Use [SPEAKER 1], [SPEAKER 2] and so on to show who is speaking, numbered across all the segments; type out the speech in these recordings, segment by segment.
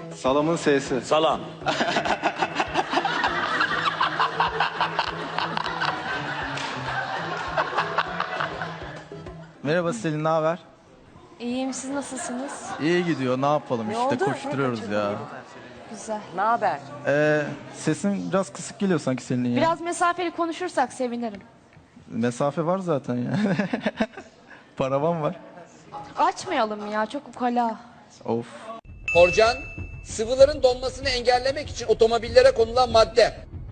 [SPEAKER 1] Salamın S'si.
[SPEAKER 2] Salam.
[SPEAKER 1] Merhaba Selin, ne haber?
[SPEAKER 3] İyiyim, siz nasılsınız?
[SPEAKER 1] İyi gidiyor, ne yapalım işte
[SPEAKER 3] oldu?
[SPEAKER 1] koşturuyoruz ya.
[SPEAKER 3] Güzel.
[SPEAKER 4] Ne haber?
[SPEAKER 1] Sesin biraz kısık geliyor sanki Selin'in ya.
[SPEAKER 3] Biraz mesafeli konuşursak sevinirim.
[SPEAKER 1] Mesafe var zaten ya. Paravan var.
[SPEAKER 3] Açmayalım ya, çok ukala.
[SPEAKER 1] Of.
[SPEAKER 5] Korcan, sıvıların donmasını engellemek için otomobillere konulan madde.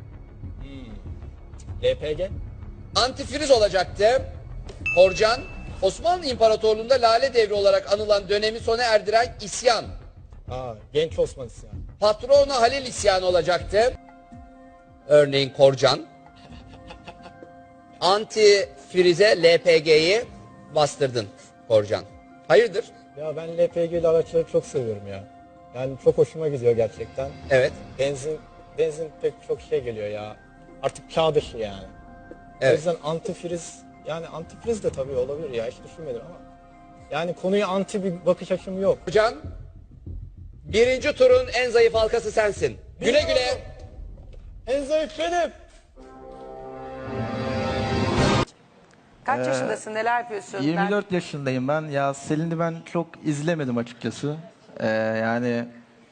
[SPEAKER 2] LPG.
[SPEAKER 5] Antifriz olacaktı. Korcan, Osmanlı İmparatorluğu'nda Lale Devri olarak anılan dönemi sona erdiren isyan.
[SPEAKER 2] Genç Osman isyanı.
[SPEAKER 5] Patrona Halil isyanı olacaktı. Örneğin Korcan. Antifrize LPG'yi bastırdın Korcan. Hayırdır?
[SPEAKER 6] Ya ben LPG'li araçları çok seviyorum ya. Yani çok hoşuma gidiyor gerçekten.
[SPEAKER 5] Evet.
[SPEAKER 6] Benzin pek çok şey geliyor ya. Artık çağ dışı yani. O
[SPEAKER 5] Evet.
[SPEAKER 6] yüzden antifriz, yani antifriz de tabii olabilir ya, hiç düşünmedim ama. Yani konuya anti bir bakış açım yok.
[SPEAKER 5] Korcan, birinci turun en zayıf halkası sensin. Güle güle.
[SPEAKER 6] En zayıf benim.
[SPEAKER 4] Kaç yaşındasın? Neler yapıyorsun?
[SPEAKER 1] 24 yaşındayım ben. Ya Selin'i ben çok izlemedim açıkçası. Yani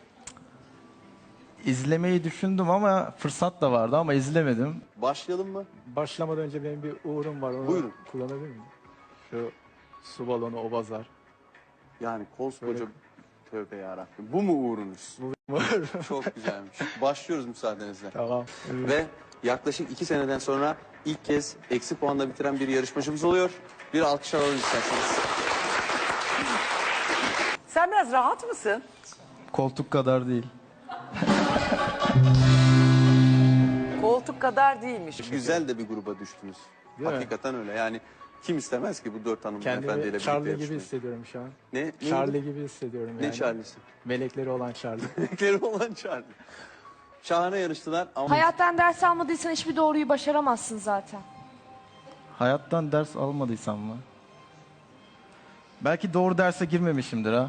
[SPEAKER 1] izlemeyi düşündüm ama fırsat da vardı ama izlemedim.
[SPEAKER 7] Başlayalım mı?
[SPEAKER 8] Başlamadan önce benim bir uğurum var. Onu
[SPEAKER 7] Buyurun.
[SPEAKER 8] kullanabilir miyim? Şu su balonu, o bazar.
[SPEAKER 7] Yani koskoca tövbe yarabbim. Bu mu uğrunuz? Çok güzelmiş. Başlıyoruz müsaadenizle.
[SPEAKER 8] Tamam.
[SPEAKER 7] Ve yaklaşık 2 seneden sonra ilk kez eksi puanla bitiren bir yarışmacımız oluyor. Bir alkış alalım isterseniz.
[SPEAKER 4] Sen biraz rahat mısın?
[SPEAKER 1] Koltuk kadar değil.
[SPEAKER 4] Koltuk kadar değilmiş.
[SPEAKER 7] Güzel de bir gruba düştünüz.
[SPEAKER 8] Değil mi?
[SPEAKER 7] Hakikaten öyle. Yani kim istemez ki bu 4 hanımefendiyle
[SPEAKER 8] Kendimi
[SPEAKER 7] birlikte
[SPEAKER 8] Charlie gibi
[SPEAKER 7] yarışmayı?
[SPEAKER 8] hissediyorum şu an.
[SPEAKER 7] Ne?
[SPEAKER 8] Charlie gibi hissediyorum yani.
[SPEAKER 7] Ne Charlie'si?
[SPEAKER 8] Melekleri olan Charlie.
[SPEAKER 7] Renkleri olan Charlie. Şahane yarıştılar ama
[SPEAKER 3] Hayattan ders almadıysan hiçbir doğruyu başaramazsın zaten.
[SPEAKER 1] Hayattan ders almadıysam mı? Belki doğru derse girmemişimdir ha.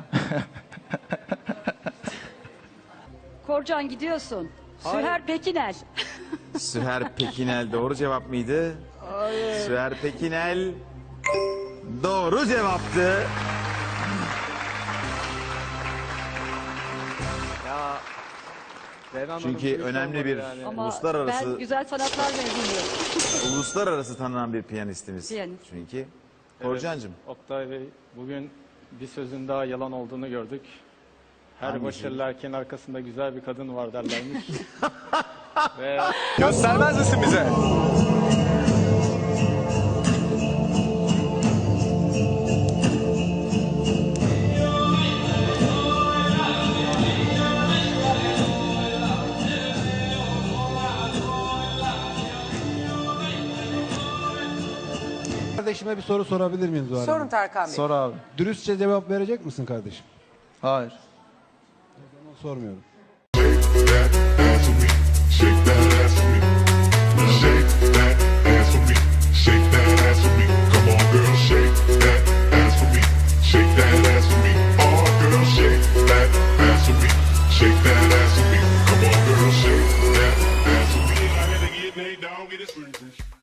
[SPEAKER 9] Korcan gidiyorsun. Süher Pekinel.
[SPEAKER 10] Süher Pekinel doğru cevap mıydı? Hayır. Süher Pekinel doğru cevaptı. Çünkü önemli bir
[SPEAKER 9] Ama
[SPEAKER 10] uluslararası
[SPEAKER 9] ben güzel sanatlar mezunuyum.
[SPEAKER 10] uluslararası tanınan bir piyanistimiz.
[SPEAKER 9] Piyanist.
[SPEAKER 10] Çünkü Korcancığım
[SPEAKER 8] Oktay Bey, bugün bir sözün daha yalan olduğunu gördük. Her
[SPEAKER 10] Hangisi?
[SPEAKER 8] başarılı erkeğin arkasında güzel bir kadın var derlermiş. Ve
[SPEAKER 1] Göstermez misin bize?
[SPEAKER 11] Kardeşime bir soru sorabilir miyim Zuhal
[SPEAKER 4] Sorun
[SPEAKER 11] Hanım?
[SPEAKER 4] Tarkan Bey.
[SPEAKER 1] Sor abi.
[SPEAKER 11] Dürüstçe cevap verecek misin kardeşim?
[SPEAKER 1] Hayır.
[SPEAKER 11] Sormuyorum.
[SPEAKER 12] Shake that ass for me. Shake that ass for me. Shake